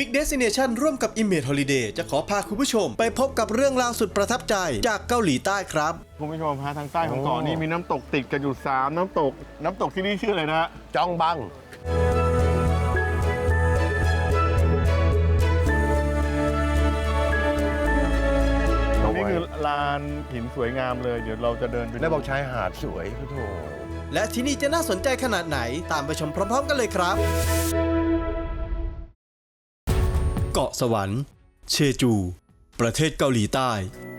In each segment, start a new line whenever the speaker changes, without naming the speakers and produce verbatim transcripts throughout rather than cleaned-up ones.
Big Destination ร่วมกับ Image Holiday จะขอพาคุณผู้ชมไปพบกับเรื่องราวสุดประทับใจจากเกาหลีใต้ครับ
คุณผู้ชมฮะทางใต้ของเกาะนี่มีน้ำตกติดกันอยู่สามน้ำตกน้ำตกที่นี่ชื่ออะไรนะ
จองบัง
นี่คือลานหินสวยงามเลยเดี๋ยวเราจะเดินไป
แล้วบอกชายหาดสวยพุทโธ
และที่นี่จะน่าสนใจขนาดไหนตามไปชมพร้อมๆกันเลยครับเกาะสวรรค์เชจู ประเทศเกาหลีใต้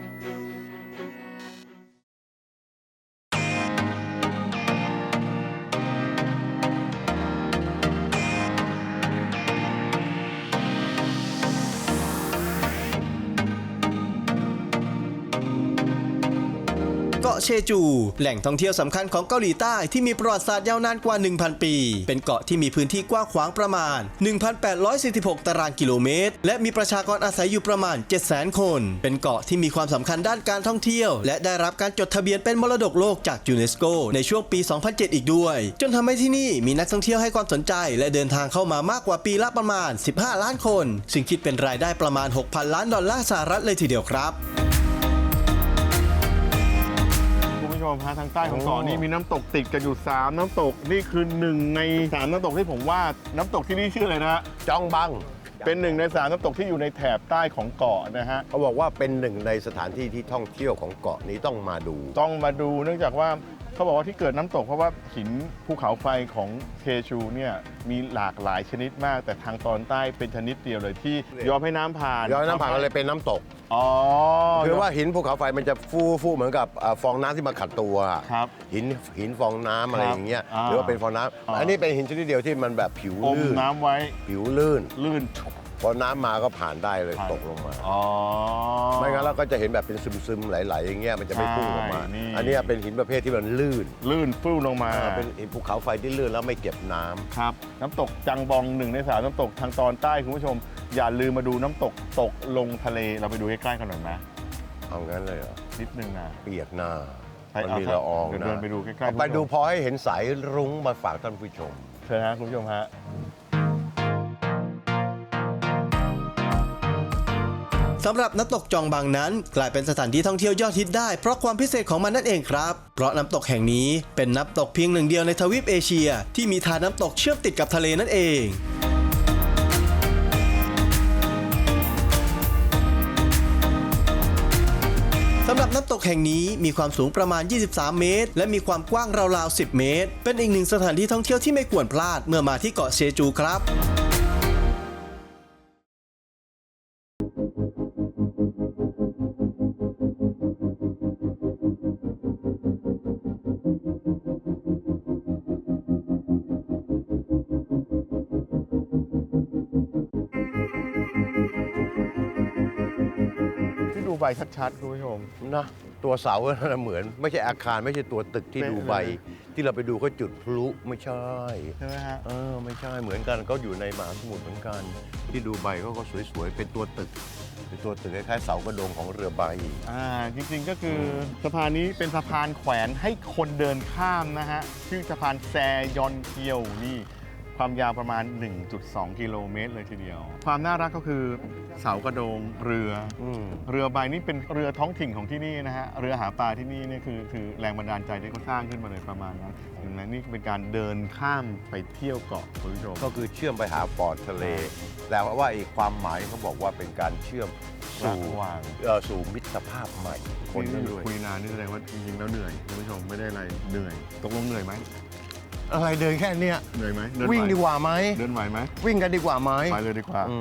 เกาะเชจู แหล่งท่องเที่ยวสำคัญของเกาหลีใต้ที่มีประวัติศาสตร์ยาวนานกว่า หนึ่งพัน ปี เป็นเกาะที่มีพื้นที่กว้างขวางประมาณ หนึ่งพันแปดร้อยสี่สิบหก ตารางกิโลเมตร และมีประชากรอาศัยอยู่ประมาณ เจ็ดแสน คน เป็นเกาะที่มีความสำคัญด้านการท่องเที่ยวและได้รับการจดทะเบียนเป็นมรดกโลกจากยูเนสโกในช่วงปี สองพันเจ็ด อีกด้วย จนทำให้ที่นี่มีนักท่องเที่ยวให้ความสนใจและเดินทางเข้ามามากกว่าปีละประมาณ สิบห้า ล้านคน ซึ่งคิดเป็นรายได้ประมาณ หกพัน ล้านดอลลาร์สหรัฐเลยทีเดียวครับ
ทางใต้ของเกาะนี่มีน้ำตกติดกันอยู่สามน้ำตกนี่คือหนึ่งในสามน้ำตกที่ผมว่าน้ำตกที่นี่ชื่ออะไรนะ
จองบัง
เป็นหนึ่งในสามน้ำตกที่อยู่ในแถบใต้ของเกาะนะฮะ
เขาบอกว่าเป็นหนึ่งในสถานที่ที่ท่องเที่ยวของเกาะนี้ต้องมาดู
ต้องมาดูเนื่องจากว่าเขาบอกว่าที่เกิดน้ำตกเพราะว่าหินภูเขาไฟของเชจูเนี่ยมีหลากหลายชนิดมากแต่ทางตอนใต้เป็นชนิดเดียวเลยที่ยอมให้น้ำผ่าน
ยอมให้น้ำผ่านก็เลยเป็นน้ำตก
อ๋อ
คือว่าหินภูเขาไฟมันจะฟูฟูเหมือนกับฟองน้ำที่มาขัดตัว
ครับ
หินหินฟองน้ำอะไรอย่างเงี้ยหรือว่าเป็นฟองน้ำอันนี้เป็นหินชนิดเดียวที่มันแบบผิวลื่น
น้ำไว้
ผิวลื่น
ลื่น
พอน้ำมาก็ผ่านได้เลยตกลงมา
อ๋อ
ไม่งั้นเราก็จะเห็นแบบเป็นซึมๆไหลๆอย่างเงี้ยมันจะไม่พุ่งลงมาอันนี้เป็นหินประเภทที่มันลื่น
ลื่นฟุ้งลงมา
เป็นหินภูเขาไฟที่ลื่นแล้วไม่เก็บน้ำ
ครับน้ำตกจังบองหนึ่งในสามน้ำตกทางตอนใต้คุณผู้ชมอย่าลืมมาดูน้ำตกตกลงทะเลเราไปดูใกล้ๆกันหน่อยไหม
เอางั้นเลยเหรอ
นิดนึงนะ
เปียกหน้า
มันมีละอองนะเดินไปดูใกล้
ๆไปดูพอให้เห็นสายรุ้งมาฝากท่านผู้ชม
เชิญฮะคุณผู้ชมฮะ
สำหรับน้ำตกจองบังนั้นกลายเป็นสถานที่ท่องเที่ยวยอดฮิตได้เพราะความพิเศษของมันนั่นเองครับเพราะน้ำตกแห่งนี้เป็นน้ำตกเพียงหนึ่งเดียวในทวีปเอเชียที่มีทานน้ำตกเชื่อมติดกับทะเลนั่นเองสำหรับน้ำตกแห่งนี้มีความสูงประมาณยี่สิบสามเมตรและมีความกว้างราวๆสิบเมตรเป็นอีกหนึ่งสถานที่ท่องเที่ยวที่ไม่ควรพลาดเมื่อมาที่เกาะเชจูครับ
ดูใบชัดๆคุณผู้ชม
นะตัวเสาก็เหมือนไม่ใช่อาคารไม่ใช่ตัวตึกที่ดูใบที่เราไปดูเขาจุดพลุไม่ใช่
ใช่ไหมฮะ
เออไม่ใช่เหมือนกันเขาอยู่ในมหาสมุทรเหมือนกันที่ดูใบเขาก็สวยๆเป็นตัวตึกเป็นตัวตึกคล้ายๆเสากระโดงของเรือใบ
อ่าจริงๆก็คือสะพานนี้เป็นสะพานแขวนให้คนเดินข้ามนะฮะชื่อสะพานแซยอนเกียวนี่ความยาวประมาณ หนึ่งจุดสอง กิโลเมตรเลยทีเดียวความน่ารักก็คือเสากระโดงเรือเรือใบนี่เป็นเรือท้องถิ่นของที่นี่นะฮะเรือหาปลาที่นี่เนี่ยคือคือแรงบันดาลใจที่เขาสร้างขึ้นมาเลยประมาณนั้นดังนั้นนี่เป็นการเดินข้ามไปเที่ยวเกาะคุณผู้ชม
ก็คือเชื่อมไปหาปอดทะเลแต่ว่าอีกความหมายเขาบอกว่าเป็นการเชื่อมสู่สู่มิตรภาพใหม่
คนด้วยคุยนานนี่แสดงว่าจริงๆแล้วเหนื่อยคุณผู้ชมไม่ได้อะไรเหนื่อยตกลงเหนื่อยไหม
อะไรเดินแค่เนี้ย
เหนื่อยไหม
วิ่งดีกว่าไหม
เดินไหวไหม
วิ่งกันดีกว่าไหม
ไปเลยดีกว่า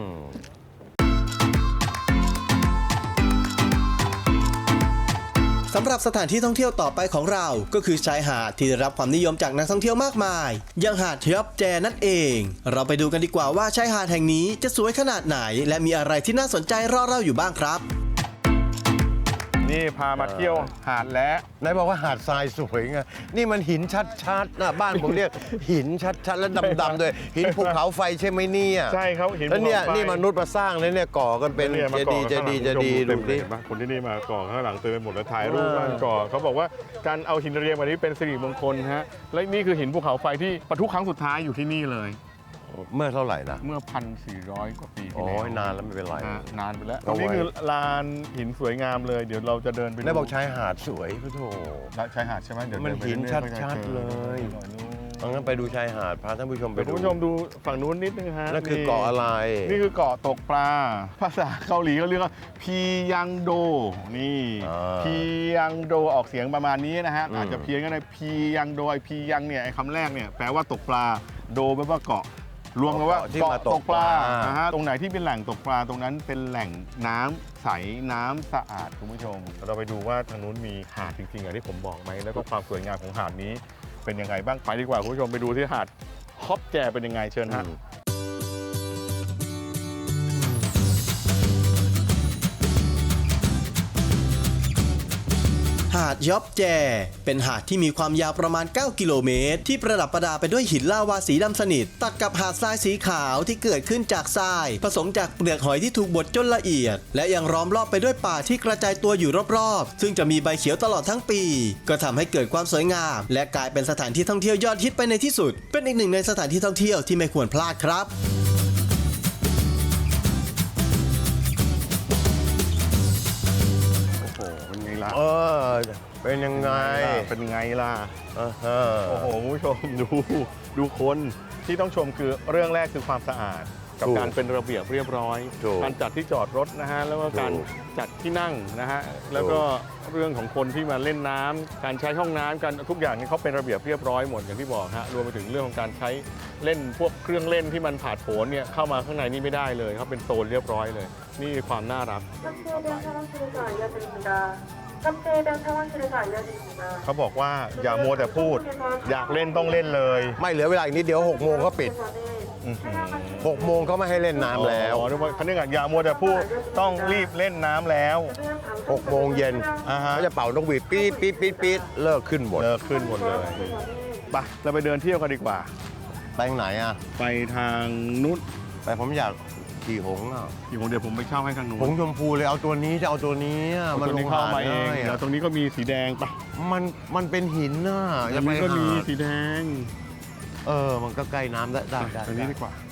สำหรับสถานที่ท่องเที่ยวต่อไปของเราก็คือชายหาดที่ได้รับความนิยมจากนักท่องเที่ยวมากมายอย่างหาดเทียบแจนั่นเองเราไปดูกันดีกว่าว่าชายหาดแห่งนี้จะสวยขนาดไหนและมีอะไรที่น่าสนใจรอเราอยู่บ้างครับ
นี่พามาเที่ยวหาดและ
นายบอกว่าหาดทรายสวยไงนี่มันหินชัดๆนะบ้านผมเรียกหินชัดๆและดำๆด้วยหินภูเขาไฟใช่ไหมเนี่ย
ใช่เขาหิน
แล้วเนี่ยนี่มนุษย์มาสร้างเลยเนี่ยก่อกันเป็นเจดีย์เจดีย์เจดีย์ดูดิ
คนที่นี่มาก่อข้างหลังเต็มไปหมดแล้วถ่ายรูปบ้านก่อเขาบอกว่าการเอาหินเรียงแบบนี้เป็นสิริมงคลฮะและนี่คือหินภูเขาไฟที่ปะทุครั้งสุดท้ายอยู่ที่นี่เลย
เมื่อเท่าไหร่นะ
เมื่อ พันสี่ร้อย กว่าปีที่
โอ้
แล้ว
ยนานแล้วไม่เป็นไร
ฮะนานไปแล้วต
เอา
รงนี้
ไว้
คือลานหินสวยงามเลย เดี๋ยวเราจะเดินไปดู
ได้บอกชายหาดสวยพุทโธ
ชายหาดใช่ไหมเดี๋ยว
มัน
เดิไป
หิน
รื่อยๆก็จะ
ชัดๆ
จอ
เลย เอางั้นไปดูชายหาดพาท่านผู้ชมไป
เดี๋ยว
ดู
คุณผู้ชมดูฝั่งนู้นนิดนึงฮะ
นั่นคือเกาะอะไร
นี่คือเกาะตกปลา ภาษาเกาหลีเขาเรียกว่าพียังโด นี่
อ่า
พียังโดออกเสียงประมาณนี้นะฮะ
อืม
อาจจะเพี้ยนก็ได้พียังโดไอพียังเนี่ยไอ้คำแรกเนี่ยแปลว่าตกปลา โดแปลว่าเกาะ รวมกันว่า
ที่มาตกปลา
นะฮะ ตรงไหนที่เป็นแหล่งตกปลาตรงนั้นเป็นแหล่งน้ำใสน้ำสะอาดคุณผู้ชม เราไปดูว่าทางนู้นมีหาดจริงๆอย่างที่ผมบอกไหมแล้วก็ความสวยงามของหาดนี้เป็นยังไงบ้างไปดีกว่าคุณผู้ชมไปดูที่หาดฮอปแจเป็นยังไงเชิญฮะ
หาดยอบแจเป็นหาดที่มีความยาวประมาณ เก้า กิโลเมตร ที่ประดับประดาไปด้วยหินลาวาสีดำสนิท ตัดกับหาดทรายสีขาวที่เกิดขึ้นจากทราย ผสมจากเปลือกหอยที่ถูกบดจนละเอียด และยังล้อมรอบไปด้วยป่าที่กระจายตัวอยู่รอบๆ ซึ่งจะมีใบเขียวตลอดทั้งปี ก็ทำให้เกิดความสวยงาม และกลายเป็นสถานที่ท่องเที่ยวยอดฮิตไปในที่สุด เป็นอีกหนึ่งในสถานที่ท่องเที่ยวที่ไม่ควรพลาดครับ
โอ้โหเป็นไงล่ะ
เออ เป็นยังไง
เป็นไงล่ะ
อ่าฮะ
โอ้โหคุณผู้ชม ดูดูคนที่ต้องชมคือเรื่องแรกคือความสะอาด กับ
ถูก
การเป็นระเบียบเรียบร้อย
ถูก
การจัดที่จอดรถนะฮะแล้วก็การ
ถูก
จัดที่นั่งนะฮะแล้วก็เรื่องของคนที่มาเล่นน้ำการใช้ห้องน้ำการทุกอย่างนี่เขาเป็นระเบียบเรียบร้อยหมดอย่างที่บอกฮะรวมไปถึงเรื่องของการใช้เล่นพวกเครื่องเล่นที่มันผาดโผนเนี่ยเข้ามาข้างในนี่ไม่ได้เลยเขาเป็นโซนเรียบร้อยเลย นี่คือความน่ารัก
탑재된 샤워실에서 알려드립니다. 탑재된 샤워실에서 알려드립니다.
เขาบอกว่าอย่ามัวแต่พูด อยากเล่นต้องเล่นเลย
ไม่เหลือเวลาอีกนิดเดียวหกโมงเขาปิด
อื้อหือ
หกโมงเขาไม่ให้เล่นน้ำแล้ว
อ๋อนึกว่าเขาเรียกว่าอย่ามัวแต่พูดต้องรีบเล่นน้ำแล้ว
หกโมงเย็น
อ่าฮะ
เขาจะเป่านกหวีดปี๊ดปี๊ดปี๊ดปี๊ดเลิกขึ้นหมด
เลิกขึ้นหมดเลยไปเราไปเดินเที่ยวกันดีกว่า
ไปทางไหนอ่ะ
ไปทางนู้น
ไปผมอยากขี่หงส์อ่ะ
ที่ผมเดี๋ยวผมไปเช่าให้ทางนู้น
หงส์ชมพูเลยเอาตัวนี้จะเอาตัวนี้อะ
เอา
มัน
ตัว
ล
นี้
ง
เข้า
หาด
มาเอง
ได้
เดี๋ยว
อะ
ตรงนี้ก็มีสีแดงไป
มันมันเป็นหินน่ะ
ตร
จะ
ง
ไป
นี้ก็มี
หาด
สีแดง
เออ มันก็ใกล้น้ำได้ได้ได้
ตรงนี้ดีกว่า